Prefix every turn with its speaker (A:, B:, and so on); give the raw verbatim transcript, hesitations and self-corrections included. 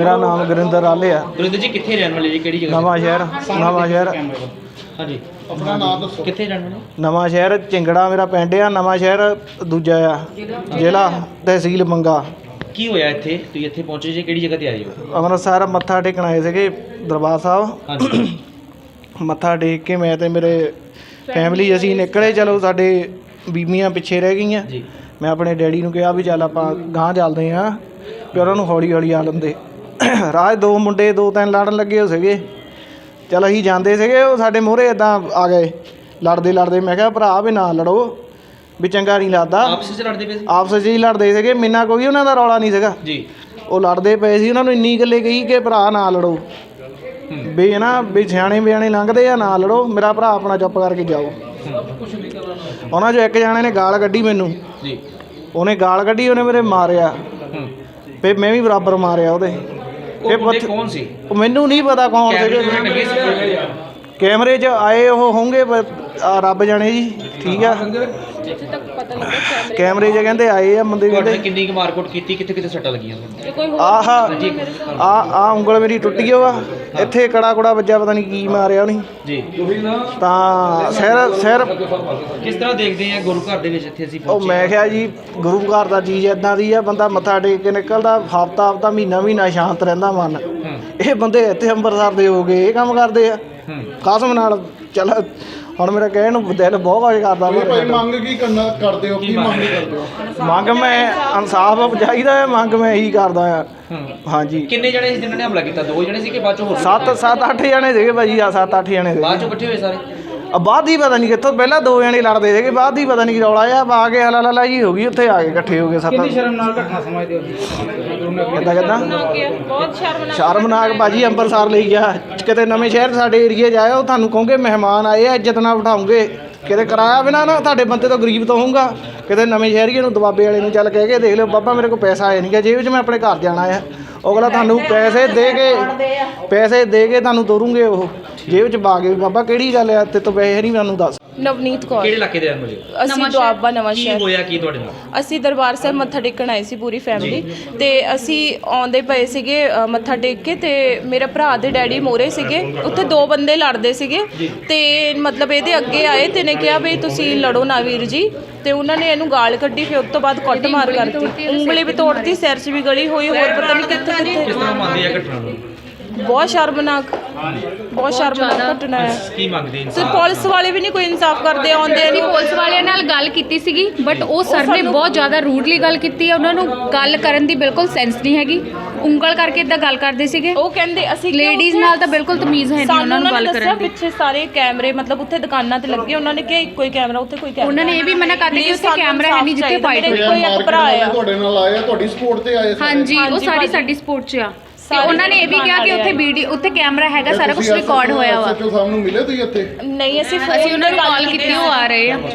A: मेरा नाम गुरिंदर आले है।
B: गुरिंदर जी कितने रहने वाले जी, केड़ी जगह?
A: नवा शहर नवा शहर
B: हाँ जी, अपना नाम दसो, कितने रहने वाले?
A: नवा शहर चिंगड़ा मेरा पिंड आ, नवा शहर दूजा आ, जिला तहसील मंगा।
B: की होया इत्थे तुसीं इत्थे पहुंचे जी, केड़ी जगह ते आए हो?
A: ਅੰਮ੍ਰਿਤਸਰ ਮੱਥਾ ਟੇਕਣ ਆਏ ਸੀਗੇ ਦਰਬਾਰ ਸਾਹਿਬ।
B: ਹਾਂਜੀ
A: ਮੱਥਾ ਟੇਕ ਕੇ ਮੈਂ ਤੇ ਮੇਰੇ ਫੈਮਿਲੀ ਅਸੀਂ ਨਿਕਲੇ। ਚਲੋ ਸਾਡੇ ਬੀਬੀਆਂ ਪਿੱਛੇ ਰਹਿ ਗਈਆਂ।
B: ਜੀ,
A: ਮੈਂ ਆਪਣੇ ਡੈਡੀ ਨੂੰ ਕਿਹਾ ਵੀ ਚੱਲ ਆਪਾਂ ਗਾਂਹ ਚੱਲਦੇ ਹਾਂ, ਵੀ ਉਹਨਾਂ ਨੂੰ ਹੌਲੀ ਹੌਲੀ ਆ ਲੰਦੇ। ਰਾਹ ਦੋ ਮੁੰਡੇ ਦੋ ਤਿੰਨ ਲੜਨ ਲੱਗੇ ਹੋ ਸੀਗੇ। ਚੱਲ ਅਸੀਂ ਜਾਂਦੇ ਸੀਗੇ, ਉਹ ਸਾਡੇ ਮੂਹਰੇ ਇੱਦਾਂ ਆ ਗਏ ਲੜਦੇ ਲੜਦੇ। ਮੈਂ ਕਿਹਾ ਭਰਾ ਵੀ ਨਾ ਲੜੋ, ਵੀ ਚੰਗਾ ਨਹੀਂ ਲੱਗਦਾ।
B: ਆਪਸ ਵਿੱਚ ਲੜਦੇ ਪਏ ਸੀ?
A: ਆਪਸ 'ਚ ਹੀ ਲੜਦੇ ਸੀਗੇ, ਮਿੰਨਾ ਕੋਈ ਉਹਨਾਂ ਦਾ ਰੌਲਾ ਨਹੀਂ ਸੀਗਾ
B: ਜੀ।
A: ਉਹ ਲੜਦੇ ਪਏ ਸੀ। ਉਹਨਾਂ ਨੂੰ ਇੰਨੀ ਗੱਲੇ ਕਹੀ ਕਿ ਭਰਾ ਨਾ ਲੜੋ, ਵੀ ਨਾ ਵੀ ਸਿਆਣੇ ਬਿਆਣੇ ਲੰਘਦੇ ਆ, ਨਾ ਲੜੋ, ਮੇਰਾ ਭਰਾ ਆਪਣਾ ਚੁੱਪ ਕਰਕੇ ਜਾਓ। ਉਹਨਾਂ 'ਚੋਂ ਇੱਕ ਜਾਣੇ ਨੇ ਗਾਲ ਕੱਢੀ ਮੈਨੂੰ।
B: ਜੀ,
A: ਉਹਨੇ ਗਾਲ ਕੱਢੀ, ਉਹਨੇ ਮੇਰੇ ਮਾਰਿਆ, ਫਿਰ ਮੈਂ ਵੀ ਬਰਾਬਰ ਮਾਰਿਆ ਉਹਦੇ।
B: ਉਹ ਬੰਦੇ ਕੌਣ ਸੀ?
A: ਉਹ ਮੈਨੂੰ ਨਹੀਂ ਪਤਾ ਕੌਣ ਸੀਗੇ।
B: ਲੱਗੇ ਸੀ
A: ਕੈਮਰੇ 'ਚ ਆਏ ਉਹ ਹੋਣਗੇ, ਰੱਬ ਜਾਣੇ ਜੀ। ਠੀਕ ਆ, ਕੈਮਰੇ 'ਚ ਕਹਿੰਦੇ ਆਏ ਆ ਬੰਦੇ।
B: ਤੁਹਾਡੇ
A: ਕਹਿੰਦੇ
B: ਕਿੰਨੀ ਕੁ ਮਾਰਕੁੱਟ ਕੀਤੀ, ਕਿੱਥੇ ਕਿੱਥੇ ਸੱਟਾਂ ਲੱਗੀਆਂ?
A: ਆਹ ਆ ਆ ਉਂਗਲ ਮੇਰੀ ਟੁੱਟੀ ਓ ਆ, ਇੱਥੇ ਕੜਾ ਕੁੜਾ ਵੱਜਾ, ਪਤਾ ਨਹੀਂ ਕੀ ਮਾਰਿਆ ਉਹਨੇ
B: ਜੀ।
A: ਤਾਂ ਸਿਰ ਸਿਰ
B: ਕਿਸ ਤਰ੍ਹਾਂ ਦੇਖਦੇ ਆ ਗੁਰੂ ਘਰ ਦੇ ਵਿੱਚ ਇੱਥੇ ਅਸੀਂ
A: ਉਹ
B: ਪਹੁੰਚੇ?
A: ਮੈਂ ਕਿਹਾ ਜੀ ਗੁਰੂ ਘਰ ਦਾ ਚੀਜ਼ ਇੱਦਾਂ ਦੀ ਆ, ਬੰਦਾ ਮੱਥਾ ਟੇਕ ਕੇ ਨਿਕਲਦਾ, ਹਫ਼ਤਾ ਹਫ਼ਤਾ ਮਹੀਨਾ ਮਹੀਨਾ ਸ਼ਾਂਤ ਰਹਿੰਦਾ ਮਨ। ਇਹ ਬੰਦੇ ਇੱਥੇ ਅੰਮ੍ਰਿਤਸਰ ਦੇ ਹੋ ਗਏ, ਇਹ ਕੰਮ ਕਰਦੇ ਆ ਕਸਮ ਨਾਲ। ਚੱਲ ਹੁਣ ਮੇਰਾ ਕਹਿਣ ਨੂੰ ਦਿਲ ਬਹੁਤ ਕੁਝ ਕਰਦਾ।
C: ਭਾਈ ਮੰਗ ਕੀ ਕਰਨਾ ਕਰਦੇ ਹੋ, ਕੀ ਮੰਗ ਕਰਦੇ ਹੋ?
A: ਮੰਗ ਮੈਂ ਇਨਸਾਫ ਚਾਹੀਦਾ ਹੈ, ਮੰਗ ਮੈਂ ਇਹੀ ਕਰਦਾ ਆ। ਹਾਂਜੀ।
B: ਕਿੰਨੇ ਜਣੇ ਸੀ ਜਿਨ੍ਹਾਂ ਨੇ ਹਮਲਾ ਕੀਤਾ? ਦੋ ਜਣੇ ਸੀ ਕਿ ਬਾਅਦ ਚੋਂ ਹੋਰ?
A: ਸੱਤ ਸੱਤ ਅੱਠ ਜਣੇ ਸੀਗੇ ਭਾਜੀ, ਆ ਸੱਤ ਅੱਠ ਜਣੇ
B: ਬਾਅਦ
A: ਸੀਗੇ।
B: ਚੋਂ ਇਕੱਠੇ ਹੋਏ ਸਾਰੇ?
A: ਆ ਬਾਅਦ ਹੀ ਪਤਾ ਨਹੀਂ ਕਿੱਥੋਂ, ਪਹਿਲਾਂ ਦੋ ਜਣੇ ਲੜਦੇ ਸੀਗੇ, ਬਾਅਦ ਹੀ ਪਤਾ ਨਹੀਂ ਕੀ ਰੌਲਾ ਆ, ਆ ਕੇ ਹਲਾ ਲਾ ਜੀ ਹੋ ਗਈ, ਉੱਥੇ ਆ ਕੇ ਇਕੱਠੇ ਹੋ ਗਏ ਸੱਤ। ਕਿੰਨੀ ਸ਼ਰਮਨਾਕ ਘਟਨਾ ਸਮਝਦੇ ਹੋ? ਕਿੱਦਾਂ ਕਿੱਦਾਂ
D: ਬਹੁਤ ਸ਼ਰਮਨਾਕ
A: ਸ਼ਰਮਨਾਕ ਭਾਜੀ। ਅੰਮ੍ਰਿਤਸਰ ਲਈ ਗਿਆ, ਕਿਤੇ ਨਵੇਂ ਸ਼ਹਿਰ ਸਾਡੇ ਏਰੀਏ 'ਚ ਆਇਆ, ਉਹ ਤੁਹਾਨੂੰ ਕਹੋਗੇ ਮਹਿਮਾਨ ਆਏ ਆ, ਇੱਜ਼ਤ ਨਾਲ ਬਿਠਾਉਂਗੇ। ਕਿਤੇ ਕਿਰਾਇਆ ਬਿਨਾਂ ਨਾ ਤੁਹਾਡੇ ਬੰਦੇ ਤੋਂ ਗਰੀਬ ਤੋਂ ਹੋਊਗਾ। ਕਿਤੇ ਨਵੇਂ ਸ਼ਹਿਰੀਏ ਨੂੰ ਦਬਾਬੇ ਵਾਲੇ ਨੂੰ ਚੱਲ ਕਹਿ ਕੇ ਦੇਖ ਲਿਓ, ਬਾਬਾ ਮੇਰੇ ਕੋਲ ਪੈਸਾ ਆਇਆ ਨਹੀਂ ਗਾ ਜੇਬ 'ਚ, ਮੈਂ ਆਪਣੇ ਘਰ ਜਾਣਾ ਆ। ਅਗਲਾ ਤੁਹਾਨੂੰ ਪੈਸੇ ਦੇ ਕੇ ਪੈਸੇ ਦੇ ਕੇ ਤੁਹਾਨੂੰ ਤੋਰੂਗੇ, ਉਹ ਜੇਬ 'ਚ ਪਾ ਕੇ। ਬਾਬਾ ਕਿਹੜੀ ਗੱਲ ਆ, ਤੇ ਤੋਂ ਪੈਸੇ ਨਹੀਂ ਮੈਨੂੰ ਦੱਸ।
D: ਨਵਨੀਤ ਕੌਰ।
B: ਕਿਹੜੇ ਇਲਾਕੇ ਦੇ ਰਹਿਣ ਵਾਲੇ?
D: ਅਸੀਂ ਦੁਆਬਾ ਨਵਾਂ
B: ਕੀ
D: ਸ਼ਹਿਰ।
B: ਹੋਇਆ ਕੀ ਤੁਹਾਡੇ ਨਾਲ?
D: ਅਸੀਂ ਦਰਬਾਰ ਸਾਹਿਬ ਮੱਥਾ ਟੇਕਣ ਆਏ ਸੀ ਪੂਰੀ ਫੈਮਿਲੀ, ਤੇ ਅਸੀਂ ਆਉਂਦੇ ਪਏ ਸੀਗੇ ਅ, ਮੱਥਾ ਟੇਕ ਕੇ, ਤੇ ਮੇਰੇ ਭਰਾ ਦੇ ਡੈਡੀ ਮੋਰੇ ਸੀਗੇ, ਉੱਥੇ ਦੋ ਬੰਦੇ ਲੜਦੇ ਸੀਗੇ, ਤੇ ਮਤਲਬ ਇਹਦੇ ਅੱਗੇ ਆਏ ਤੇ ਨੇ ਕਿਹਾ ਵੀ ਤੁਸੀਂ ਲੜੋ ਨਾ ਵੀਰ ਜੀ, ਤੇ ਉਹਨਾਂ ਨੇ ਇਹਨੂੰ ਗਾਲ ਕੱਢੀ। ਫਿਰ ਉਸ ਤੋਂ ਬਾਅਦ ਕੁੱਟ ਮਾਰ ਕਰਤੀ, ਉਂਗਲੀ ਵੀ ਤੋੜਤੀ, ਸਿਰ 'ਚ ਵੀ ਗਲੀ ਹੋਈ, ਹੋਰ ਪਤਾ ਨਹੀਂ ਕਿੱਥੇ
B: ਕਿਸ
D: ਕਿੱਥੇ।
B: ਤਰ੍ਹਾਂ ਮੰਨਦੇ ਆ ਘਟਨਾ ਨੂੰ?
D: ਬਹੁਤ ਸ਼ਰਮਨਾਕ ਬਹੁਤ ਸ਼ਰਮਨਾਕ ਘਟਨਾ ਹੈ।
B: ਕੀ ਮੰਗਦੇ
D: ਤੇ
B: ਇਨਸਾਨ?
D: ਪੁਲਿਸ ਵਾਲੇ ਵੀ ਨਹੀਂ ਕੋਈ ਇਨਸਾਫ ਕਰਦੇ, ਆਉਂਦੇ
E: ਅਸੀਂ ਪੁਲਿਸ ਵਾਲਿਆਂ ਨਾਲ ਗੱਲ ਕੀਤੀ ਸੀਗੀ, ਬਟ ਉਹ ਸਰ ਨੇ ਬਹੁਤ ਜ਼ਿਆਦਾ ਰੂਡਲੀ ਗੱਲ ਕੀਤੀ ਹੈ। ਉਹਨਾਂ ਨੂੰ ਗੱਲ ਕਰਨ ਦੀ ਬਿਲਕੁਲ ਸੈਂਸ ਨਹੀਂ ਹੈਗੀ, ਉਂਗਲ ਕਰਕੇ ਇਦਾਂ ਗੱਲ ਕਰਦੇ ਸੀਗੇ।
D: ਉਹ ਕਹਿੰਦੇ ਅਸੀਂ
E: ਲੇਡੀਜ਼ ਨਾਲ ਤਾਂ ਬਿਲਕੁਲ ਤਮੀਜ਼ ਹੈ ਨਹੀਂ ਉਹਨਾਂ ਨੂੰ ਗੱਲ ਕਰਨ ਦੀ।
D: ਪਿੱਛੇ ਸਾਰੇ ਕੈਮਰੇ ਮਤਲਬ ਉੱਥੇ ਦੁਕਾਨਾਂ ਤੇ ਲੱਗੇ, ਉਹਨਾਂ ਨੇ ਕਿਹਾ ਇੱਕੋ ਹੀ ਕੈਮਰਾ, ਉੱਥੇ ਕੋਈ ਕੈਮਰਾ।
E: ਉਹਨਾਂ ਨੇ ਇਹ ਵੀ ਮਨਾ ਕਰ ਦਿੱਤਾ ਕਿ ਉੱਥੇ ਕੈਮਰਾ ਹੈ ਨਹੀਂ ਜਿੱਥੇ ਫਾਈਟ ਹੋਈ।
D: ਕੋਈ ਇੱਕ ਭਰਾ ਆ
C: ਤੁਹਾਡੇ ਨਾਲ ਆਏ ਆ, ਤੁਹਾਡੀ ਸਪੋਰਟ ਤੇ ਆਏ ਸਾਰੇ?
E: ਹਾਂਜੀ, ਉਹ ਸਾਰੀ ਸਾਡੀ ਸਪੋਰਟ 'ਚ ਆ। ਤੇ ਉਹਨਾਂ ਨੇ ਇਹ ਵੀ ਕਿਹਾ ਕਿ ਉੱਥੇ ਵੀਡੀਓ, ਉੱਥੇ ਕੈਮਰਾ ਹੈਗਾ, ਸਾਰਾ ਕੁਝ ਰਿਕਾਰਡ ਹੋਇਆ ਵਾ।
C: ਐਸ ਐਚ ਓ ਸਾਹਿਬ ਨੂੰ ਮਿਲੇ ਤੁਸੀਂ ਇੱਥੇ?
D: ਨਹੀਂ, ਅਸੀਂ
E: ਅਸੀਂ ਉਹਨਾਂ ਨੂੰ ਕਾਲ ਕੀਤੀ, ਉਹ ਆ ਰਹੇ ਆ।